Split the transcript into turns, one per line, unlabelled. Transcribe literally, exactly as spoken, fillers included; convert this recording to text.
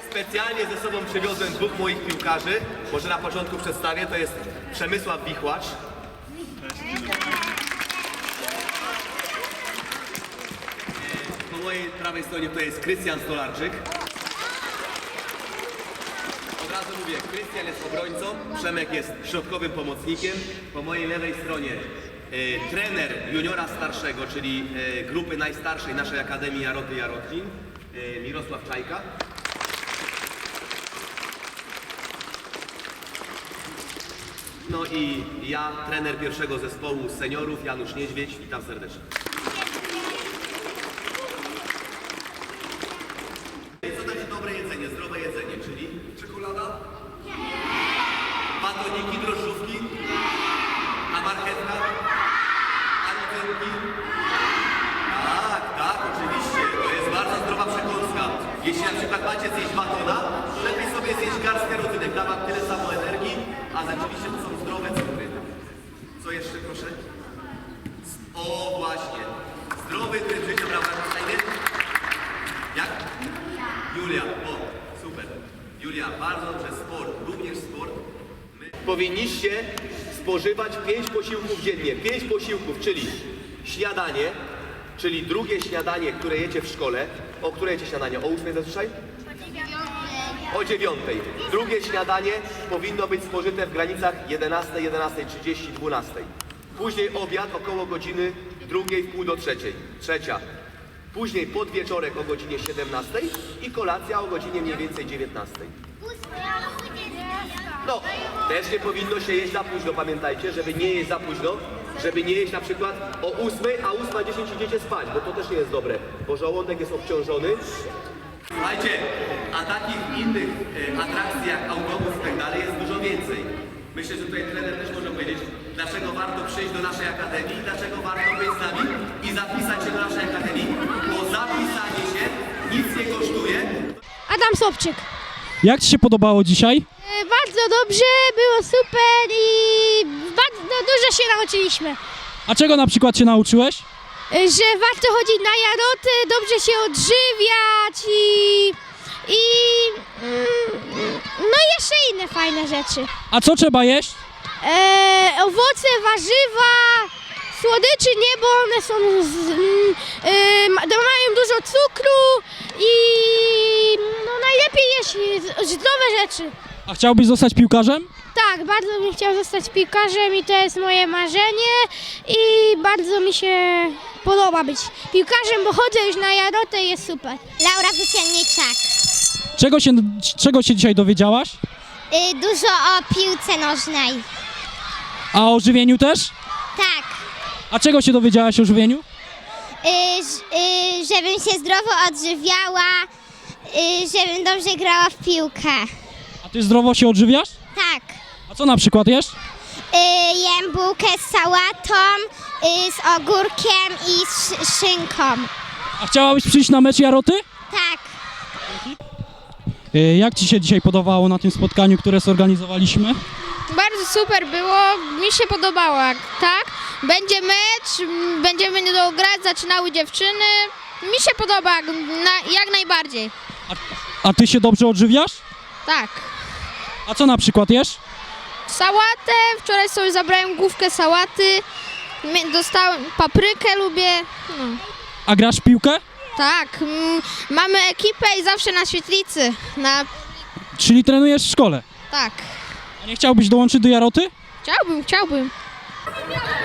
Specjalnie ze sobą przywiozłem dwóch moich piłkarzy. Może na początku przedstawię, to jest Przemysław Wichłacz. Po mojej prawej stronie to jest Krystian Stolarczyk. Od razu mówię, Krystian jest obrońcą, Przemek jest środkowym pomocnikiem. Po mojej lewej stronie e, trener juniora starszego, czyli e, grupy najstarszej naszej Akademii Jaroty Jarotlin, e, Mirosław Czajka. No i ja, trener pierwszego zespołu seniorów, Janusz Niedźwiedź. Witam serdecznie. Co to jest dobre jedzenie, zdrowe jedzenie, czyli czekolada? Nie. Batoniki, drożdżówki? A marchewka? A rodzynki? Tak, tak, oczywiście. To jest bardzo zdrowa przekąska. Jeśli na przykład macie zjeść batona, to lepiej sobie zjeść garstkę rodzynek. Da wam tyle samo energii, a rzeczywiście to są zdrowe cukry. Co jeszcze, proszę? O, właśnie. Zdrowy tryb życia, prawda? Jak? Julia, o, super. Julia, bardzo dobrze, sport, również sport. My... Powinniście spożywać pięć posiłków dziennie. Pięć posiłków, czyli śniadanie, czyli drugie śniadanie, które jecie w szkole. O której jecie śniadanie? O ósmej zazwyczaj? O dziewiątej. Drugie śniadanie powinno być spożyte w granicach jedenastej, jedenastej trzydzieści, dwunastej. Później obiad około godziny drugiej w pół do trzeciej. Trzecia. Później podwieczorek o godzinie siedemnastej i kolacja o godzinie mniej więcej dziewiętnastej. No, też nie powinno się jeść za późno, pamiętajcie, żeby nie jeść za późno, żeby nie jeść na przykład o ósmej, a ósma dziesięć idziecie spać, bo to też nie jest dobre, bo żołądek jest obciążony. Słuchajcie, a takich innych e, atrakcji jak autobus i tak dalej jest dużo więcej. Myślę, że tutaj trener też może powiedzieć, dlaczego warto przyjść do naszej akademii, dlaczego warto być z nami i zapisać się do naszej akademii, bo zapisanie się nic nie kosztuje.
Adam Sobczyk.
Jak Ci się podobało dzisiaj?
E, bardzo dobrze, było super i bardzo no, dużo się nauczyliśmy.
A czego na przykład się nauczyłeś?
E, że warto chodzić na jaroty, dobrze się odżywiać i, i mm, no i jeszcze inne fajne rzeczy.
A co trzeba jeść?
E, owoce, warzywa, słodyczy nie, bo one są z, mm, e, ma- mają dużo cukru i no, najlepiej jeść zdrowe rzeczy.
A chciałbyś zostać piłkarzem?
Tak, bardzo bym chciał zostać piłkarzem i to jest moje marzenie i bardzo mi się podoba być piłkarzem, bo chodzę już na jarotę i jest super.
Laura Wycielniczak.
Czego się, czego się dzisiaj dowiedziałaś?
Y, dużo o piłce nożnej.
A o żywieniu też?
Tak.
A czego się dowiedziałaś o żywieniu?
Y, ż- y, żebym się zdrowo odżywiała, y, żebym dobrze grała w piłkę.
A Ty zdrowo się odżywiasz?
Tak.
A co na przykład jesz?
Y, jem bułkę z sałatą, y, z ogórkiem i z szy- szynką.
A chciałabyś przyjść na mecz Jaroty?
Tak.
Y, Jak Ci się dzisiaj podobało na tym spotkaniu, które zorganizowaliśmy?
Bardzo super było, mi się podobało, tak? Będzie mecz, m, będziemy niedługo grać, zaczynały dziewczyny. Mi się podoba, jak, na, jak najbardziej.
A, a Ty się dobrze odżywiasz?
Tak.
A co na przykład jesz?
Sałatę, wczoraj sobie zabrałem główkę sałaty, mie- dostałem paprykę, lubię. No.
A grasz w piłkę?
Tak, m, mamy ekipę i zawsze na świetlicy. Na,
Czyli trenujesz w szkole?
tak.
A nie chciałbyś dołączyć do Jaroty?
Chciałbym, chciałbym.